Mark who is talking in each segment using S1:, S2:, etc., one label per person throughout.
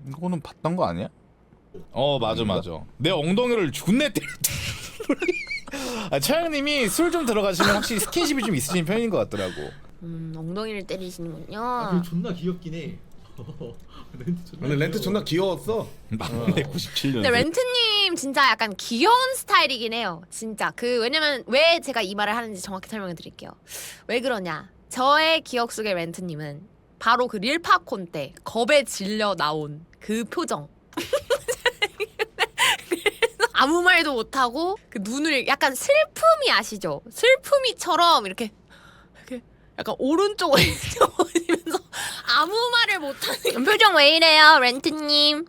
S1: 이거는 봤던 거 아니야? 맞아. 내 엉덩이를 존내 때렸다. 차영님이 술 좀 들어가시면 확실히 스킨십이 좀 있으신 편인 것 같더라고.
S2: 엉덩이를 때리시는군요.
S3: 아, 존나 귀엽긴 해.
S4: 근데 렌트 존나 귀여웠어.
S1: 막내 97년.
S2: 근데 렌트님 진짜 약간 귀여운 스타일이긴 해요. 진짜 왜냐면 왜 제가 이 말을 하는지 정확히 설명해 드릴게요. 왜 그러냐? 저의 기억 속의 렌트님은 바로 그 릴파콘 때 겁에 질려 나온 그 표정. 아무 말도 못하고 그 눈을 약간 슬픔이 아시죠? 슬픔이처럼 이렇게 약간 오른쪽을 보면서 아무 말을 못하는 표정 왜 이래요, 렌트님?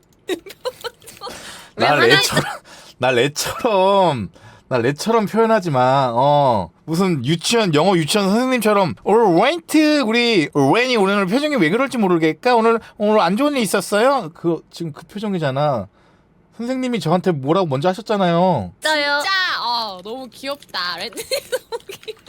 S1: 나 레처럼 표현하지 마. 무슨 영어 유치원 선생님처럼 렌트 우리 렌이 오늘 표정이 왜 그럴지 모르겠까? 오늘 안 좋은 일 있었어요? 지금 그 표정이잖아. 선생님이 저한테 뭐라고 먼저 하셨잖아요.
S2: 진짜 너무 귀엽다. 렌트님 너무 귀엽다.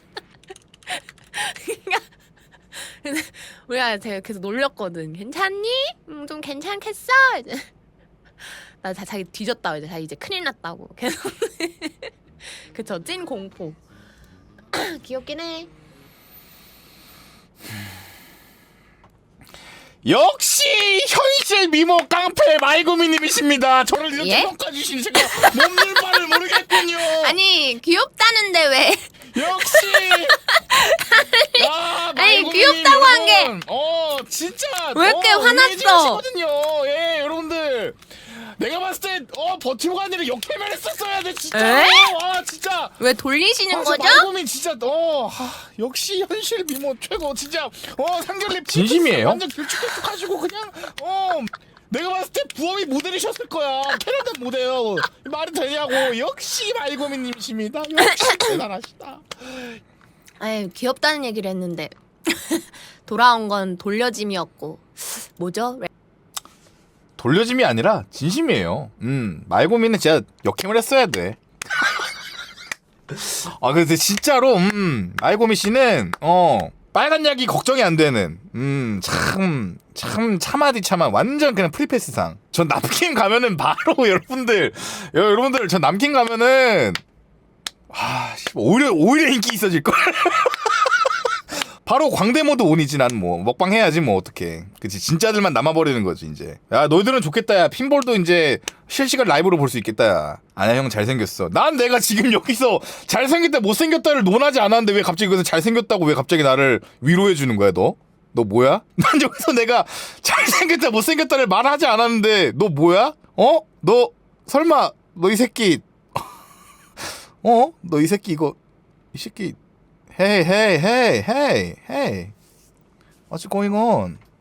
S2: 근데 우리가 제가 계속 놀렸거든. 괜찮니? 좀 괜찮겠어? 이제 나 자기 뒤졌다. 이제 자기 이제 큰일 났다고. 계속 그쵸, 찐 공포. 귀엽긴 해.
S1: 역시 현실 미모 깡패 말구미님이십니다. 저를 이렇게
S2: 예?
S1: 평가주신 제가 몸둘 바를 모르겠군요.
S2: 아니 귀엽다는데 왜?
S1: 역시
S2: 아니 귀엽다고 한 게
S1: 진짜
S2: 왜 이렇게 화났어?
S1: 예, 여러분들 내가 봤을 때 버티고 간 일을 역해면 했었어야 돼 진짜.
S2: 에?
S1: 진짜
S2: 왜 돌리시는 거죠?
S1: 말고민 진짜 역시 현실 미모 최고 진짜 상결립
S5: 진심이에요?
S1: 완전 길쭉길쭉하시고 그냥 내가 봤을 때 부업이 모델이셨을 거야. 캐나다 모델 말이 되냐고. 역시 말고민님이십니다. 역시 대단하시다.
S2: 아유 귀엽다는 얘기를 했는데 돌아온 건 돌려짐이었고 뭐죠?
S1: 돌려짐이 아니라 진심이에요. 말고민은 진짜 역행을 했어야 돼. 근데 진짜로 말고민 씨는 빨간 약이 걱정이 안 되는 참 차마디 차마 완전 그냥 프리패스상. 전 남킨 가면은 바로 여러분들 전 남킨 가면은 오히려 인기 있어질 걸. 바로 광대 모드 온이지. 난 뭐 먹방 해야지 뭐 어떡해. 그치, 진짜들만 남아버리는 거지 이제. 야 너희들은 좋겠다. 야 핀볼도 이제 실시간 라이브로 볼 수 있겠다. 야 아니야 형 잘생겼어. 난 내가 지금 여기서 잘생겼다 못생겼다를 논하지 않았는데 왜 갑자기 여기서 잘생겼다고 왜 갑자기 나를 위로해 주는 거야 너? 너 뭐야? 난 여기서 내가 잘생겼다 못생겼다를 말하지 않았는데 너 뭐야? 너 설마 너 이 새끼 너 이 새끼 이 새끼 Hey, what's going on?